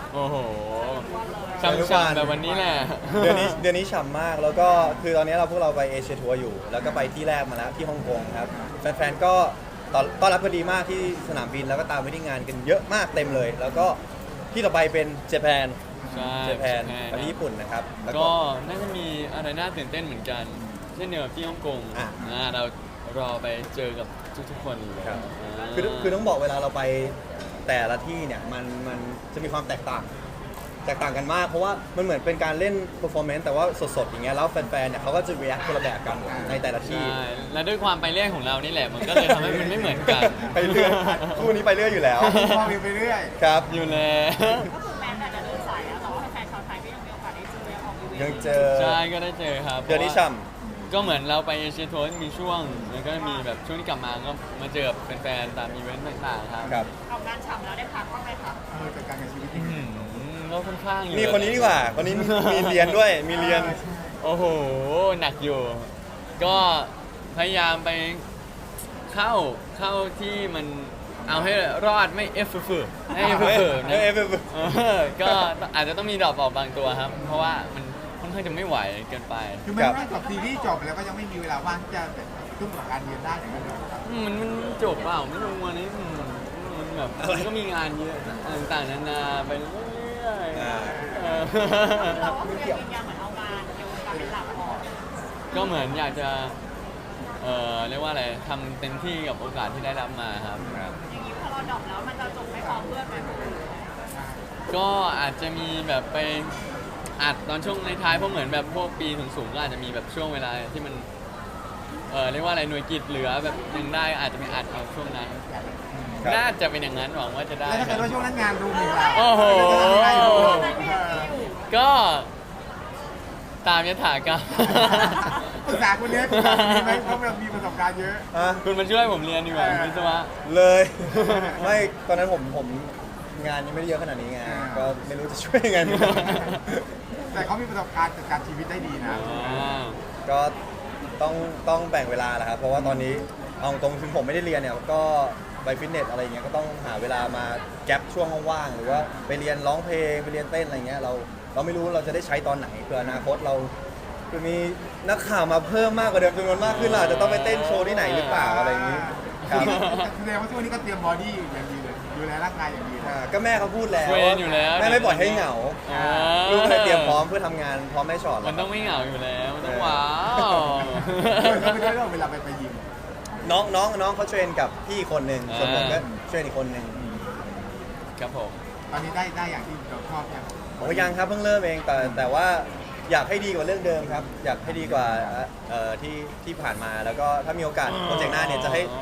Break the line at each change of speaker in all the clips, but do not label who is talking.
โอ้โหช่ำๆแบบวันนี้แหละ
เดือนนี้ฉ่ำมากแล้วก็คือตอนนี้พวกเราไปเอเชียทัวร์อยู่แล้วก็ไปที่แรกมาแล้วที่ฮ่องกงครับแฟนๆก็ต้อนรับกันดีมากที่สนามบินแล้วก็ตามไปที่งานกันเยอะมากเต็มเลย แล้วก็ที่ต่อไปเป็นเจแปน
ใช่
เจแปนไปที่ญี่ปุ่นนะครับแล้ว
ก็น่าจะมีอะไรน่าตื่นเต้นเหมือนกัน เช่นเดียวกับที่ฮ่องกง
อ่ะ
เรารอไปเจอกับทุกๆคนเลย
ครับ
า
คือต้องบอกเวลาเราไปแต่ละที่เนี่ยมันจะมีความแตกต่างกันมากเพราะว่ามันเหมือนเป็นการเล่น performance แต่ว่าสดๆอย่างเงี้ยแล้วแฟนๆเนี่ยเขาก็จะ react คนละแบบกันในแต่ละที่
ใช่และด้วยความไปเรื่อยของเรานี่แหละมันก็เลยทำให้มันไม่เหมือนกัน
ไปเรื่อยคู่นี้ไปเรื่อยอยู่แล้ว
มองไปเรื่อย
ครับ
อยู่แล้ว
ก็คือแม้แต่จะเดินสายแล้วแต่ว่าแฟนชาวไทยก็ยังมีโอกาสได้เจอออกอีเวนต์
ยังเจอ
ใช่ก็ได้เจอครับ
เดือนนี้
พราะว่า
ช่
ก็เหมือนเราไปเอเชียทัวร์มีช่วงแล้วก็มีแบบช่วงที่กลับมาก็มาเจอกับแฟนๆตามอีเวนต์ต่างๆครับ
ครับ
ออกงานฉ่ำแล้วได้พักบ้างไหมคะ
จัดการกับชีวิต
อื้อหือก็ค่อนข้างเยอะ
นี่คนนี้ดีกว่าคนนี้มีเรียนด้วยมีเรียน
โอ้โหหนักอยู่ ก็พยายามไปเข้าที่มันเอาให้รอดไม่เอฟเฟอร์ให้เอฟเฟอร์นะ
เอฟเฟอร์
ก็อาจจะต้องมีดรอปออกบางตัวครับ เพราะว่ามันค่อนข้างจะไม่ไหวเกินไป
คือมันไม่จบซีรีส์จบแล้วก็ยังไม่มีเวลาว่างที่จะทุ่มกับการเรียนได้อย่างนั้นเลยครับ
มันจบเปล่าไม่รู้วันนี้มันแบบมันก็มีงานเยอะต่างๆนานาไปเรื่อยๆ
เราก็คือยังยืนยันเหมือนเอางานในวงการเป็นหลักก่อน
ก็เหมือนอยากจะเรียกว่าอะไรทำเต็มที่กับโอกาสที่ได้รับมาครับ
อย่างนี้พอเราดรอปแล้วมันจะจบไม่พอเพื่อนไหมคุณ
ก็อาจจะมีแบบไปอัดตอนช่วงในท้ายเพราะเหมือนแบบพวกปีสูงๆก็อาจจะมีแบบช่วงเวลาที่มันเรียกว่าอะไรหน่วยกิจเหลือแบบยังได้อาจจะไปอัดเอาช่วงนั้น
ครับ
น่าจะเป็นอย่างนั้นหวังว่าจะได้
แล้วถ้า
ค
เกิ
รับ
ดว่าช่วงนั้นงานรุมอีกล่ะ
โอ้โห
ไม่ได้อยู่
ก็ตามยถากรรม
ปรึกษาคุณเนี้ยปรึกษาคุณไหมเพราะเรามีประสบการณ์เยอะ
อ่ะ
คุณมาช่วยผมเรียนดีกว่าวิศวะ
เลย ไม่ตอนนั้นผมงานยังไม่ได้เยอะขนาดนี้ไงก็ไม่รู้จะช่วยยังไงเหมือนกัน
แต่เขามีประสบการณ์จัดการชีวิตได้ดีนะ
ก็ต้องแบ่งเวลาแหละครับเพราะว่าตอนนี้เอาตรงถึงผมไม่ได้เรียนเนี่ยก็ไปฟิตเนสอะไรเงี้ยก็ต้องหาเวลามาแก็บช่วงว่างๆหรือว่าไปเรียนร้องเพลงไปเรียนเต้นอะไรเงี้ยเราไม่รู้เราจะได้ใช้ตอนไหนเผื่ออนาคตเราคือมีนักข่าวมาเพิ่มมากกว่าเดิมจำนวนมากขึ้นเราอาจจะต้องไปเต้นโชว์ที่ไหนหรือเปล่าอะไรอย่างนี้ครับ
แสดงว่าช่วงนี้ก็เตรียมบอดี้อย่างดีเลยดูแลร่างกายอย่างดีเลย
ก็แม่เขาพูดแล้ว
เทรนอยู่แล้ว
แม่ไม่ปล่อยให้เหงา
อ่า
ลูกเลยเตรียมพร้อมเพื่อทำงานพร้อมแม่ชอด
มันต้องไม่เหงาอยู่แล้วมันต้องว้าว
เขาไม่ได้เรื่องเวลาไปยิม
น้องเขาเทรนกับพี่คนหนึ่งส่วนผมก็เทรนอีกคนหนึ่ง
ครับผม
ตอนนี้ได้อย่างที่เราชอบยัง
โอ้ยังครับเพิ่งเริ่มเองแต่ว่าอยากให้ดีกว่าเรื่องเดิมครับ อยากให้ดีกว่าที่ผ่านมาแล้วก็ถ้ามีโอกาสโปรเจกต์หน้าเนี่ยจะให้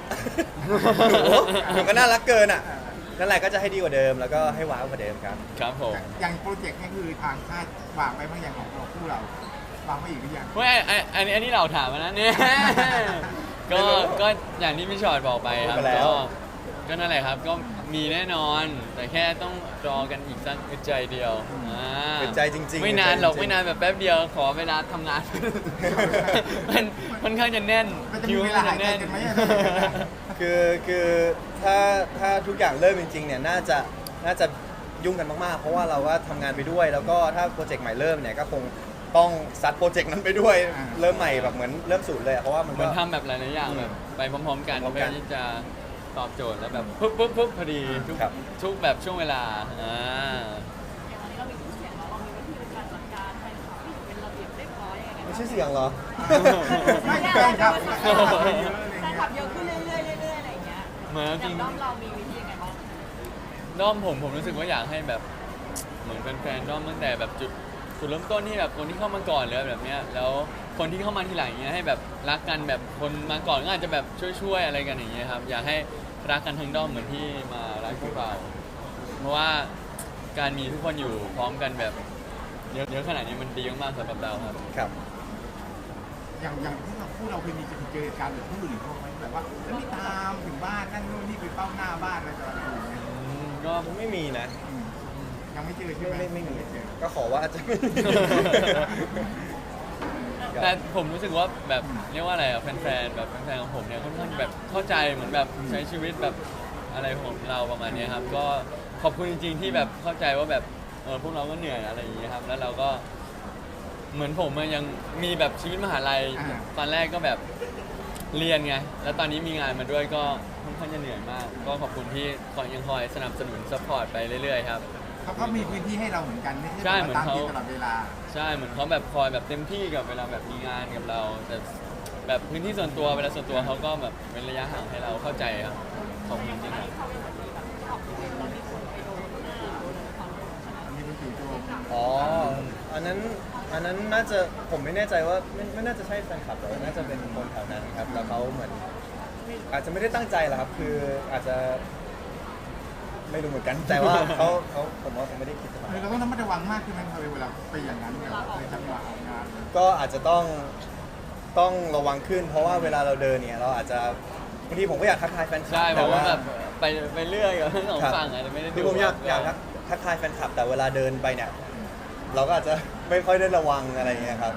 หนูก็น่ารักเกินอ่ะนั่นแหละก็จะให้ดีกว่าเดิมแล้วก็ให้ว้าวกว่าเดิมครับ
ครับผม
อย่างโปรเจกต์นี่คือทางค่ายวางไปบางอย่างของเราคู่เราวางไว้อีกหรือยัง
เว้ยอันนี้เราถามมานะเนี่ย ก็อย่างที่พี่ชอดบอกไปครับ
พูดไปแล้ว
ก็นั่นแหละครับก็มีแน่นอน แต่แค่ต้องรอกันอีกสักอึดใจเดียว
เป็นใจจริงๆ
ไม่นานหรอก
เป็นใจจริงๆ
ไม่นานแบบแป๊บเดียวขอเวลาทำงาน มันค่อนข้างจะแน่น
มันจะมีเวลาหายใจกันไหม
คือถ้าทุกอย่างเริ่มจริงๆเนี่ยน่าจะยุ่งกันมากๆ เพราะว่าเราว่าทำงานไปด้วย แล้วก็ถ้าโปรเจกต์ใหม่เริ่มเนี่ยก็คงต้องซัดโปรเจกต์นั้นไปด้วย เริ่มใหม่แบบเหมือนเริ่มศูนย์เลยอะเพราะว่ามัน
เห
ก็
มือนทำแบบหลายๆอย่างแบบไปพร้อมๆกัน
พร้อม
เพื่
กั
อน ที่จะตอบโจทย์แล้วแบบปุ๊บพอดีทุก
ครับ
ทุกแบบช่วงเวลา
อย่างตอนนี้เรามีชื่อเสียงแล้วเรามีวิธีในการจัดการแฟนคลับที่อยู่เป็นระเบียบเรียบร้อยยังไง
ไม่ใช่เสียงเหรอ
ไม่แฟนคลับเยอะอะไร
แฟน
เงี้
คลับ
ย
เยอะขึ้นเรื่อยๆเรื่อยๆอะไรอย่างเงี้ย
เหมือน
อ
จริ
ย่าง งด้อมเรามีวิธียังไงบ้าง
ด้อมผมรู้สึกว่าอยากให้แบบเหมือนแฟนๆด้อมตั้งแต่แบบจุดเริ่มต้นที่แบบคนที่เข้ามาก่อนเลยแบบเนี้ยแล้วคนที่เข้ามาทีหลังอย่างเงี้ยให้แบบรักกันแบบคนมาก่อนก็อาจจะแบบช่วยๆอะไรกันอย่างเงี้ยครับอยากให้รักกันทั้งด้อมเหมือนที่มารักพวกเราเพราะว่าการมีทุกคนอยู่พร้อมกันแบบเยอะขนาดนี้มันดีมากๆสำหรับเราครับ
ครับ
อย่างที่เราพูดเราเคยมีเจอเหตุการณ์แบบผู้อื่นเขาไหมแบบว่าแล้วมีตามถึงบ้านนั่นนู่นนี่ไปเฝ้าหน้าบ้านอะไรต่ออะไรอย่างเงี้ย
ก็
ไม่มีนะ
ยังไม่เจอใช่ไหม
ไม่มีก็ขอว่าอาจจะไม่มี
แต่ผมรู้สึกว่าแบบเรียกว่าอะไรอะแฟนๆแบบแฟนๆของผมเนี่ยค่อนข้างแบบเข้าใจเหมือนแบบใช้ชีวิตแบบอะไรของเราประมาณเนี้ยครับก็พขอบคุณจริงๆที่แบบเข้าใจว่าแบบพวกเราก็เหนื่อยอะไรอย่างเงี้ยครับแล้วเราก็เหมือนผมอะยังมีแบบชีวิตมหาลัยตอนแรกก็แบบเรียนไงแล้วตอนนี้มีงานมาด้วยก็ค่อนข้างจะเหนื่อยมาก ก็ขอบคุณที่ยังคอยสนับสนุนซัพพอร์ตไปเรื่อยๆครับ
เขาก็มีพื้นที่ให้เราเหมือนกันไม่
ใช่
ใช่
เหมือน
ตาม
เขา
ที่ตลอดเวลา
ใช่เหมือนเขาแบบคอยแบบเต็มที่กับเวลาแบบมีงานกับเราแต่แบบพื้นที่ส่วนตัวเวลาส่วนตัวเขาก็แบบเป็นระยะห่างให้เราเข้าใจครับขอบคุณจริงๆครับ
เขาเป็นคนที่แบบออกอีเวนต์แล้วมีคนไปโดนหน้าโดนความรู้ใช่ไหม
มีคนจู่โจม
อ๋ออันนั้นน่าจะผมไม่แน่ใจว่าไม่น่าจะใช่แฟนคลับแต่ว่าน่าจะเป็นคนแถวนั้นครับแล้วเขาเหมือนอาจจะไม่ได้ตั้งใจหรอกครับคืออาจจะไม่รู้เหมือนกันแต่ว่าเขาผมว่าเขาไม่ได้คิดจะทำ
เราต้องระมัดระวังมากขึ้นไหมเวลาไปอย่างนั้นแบบในจังหวะออกงาน
ก็อาจจะต้องระวังขึ้น เพราะว่าเวลาเราเดินเนี่ยเราอาจจะบางทีผมก็อยากทักทายแฟนคลั
ใช่ผ
แต่
ม
ว่า
ว่าแบบไปเรื่อยกับทั้งสองฝั่งอาจจะไม่ได้
คือ
ดู
ผมอยากทักทายแฟนคลับแต่เวลาเดินไปเนี่ยเราก็อาจจะไม่ค่อยได้ระวังอะไรอย่างเงี้ยครับ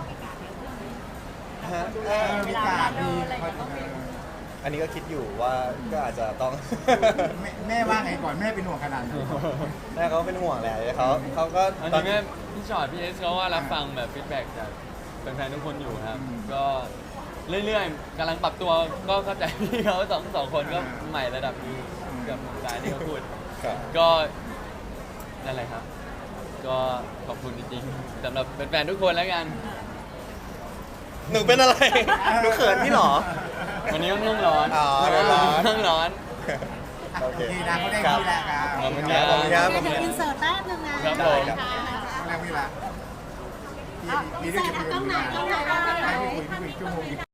ฮะ
มีการดี
อันนี้ก็คิดอยู่ว่าก็อาจจะต้อง
แม่ว่าไงก่อนแม่เป็นห่วงขนาดไหน
แม่เขาเป็นห่วงแหละเขาก็
อัน
ตอน
นี้แม่พี่ชอตพี่เอสเขาว่ารับฟังแบบฟีดแบ็กจากแฟนๆทุกคนอยู่ครับ ก็เรื่อยๆกำลังปรับตัวก็เข้าใจพี่เขาสองคนก็ใหม่ระดับหนึงกับสายที่เขาพูด
ครับ
ก็นั่นแหละครับ ก็ขอบคุณจริงๆสำหรับแฟนๆทุกคนแล้วกัน
หนูเป็นอะไรหนูเขินพี่หรอ
วันนี้ค่อนข้างร้อน
อ๋อร้อน
ค่อนข้างร้อน
โอเค
ดีนะเขาได้ที่แล้วครับ
ขอบคุณ
ครับขอบคุณครับ
เดี๋ยวอินเสิร์ตแป๊บนึงนะครับ
ผม
ครับ
เขาได้เวลา
อินเสิร์ตกล้องไหนกล้องไหน
ไปคุยชั่วโมง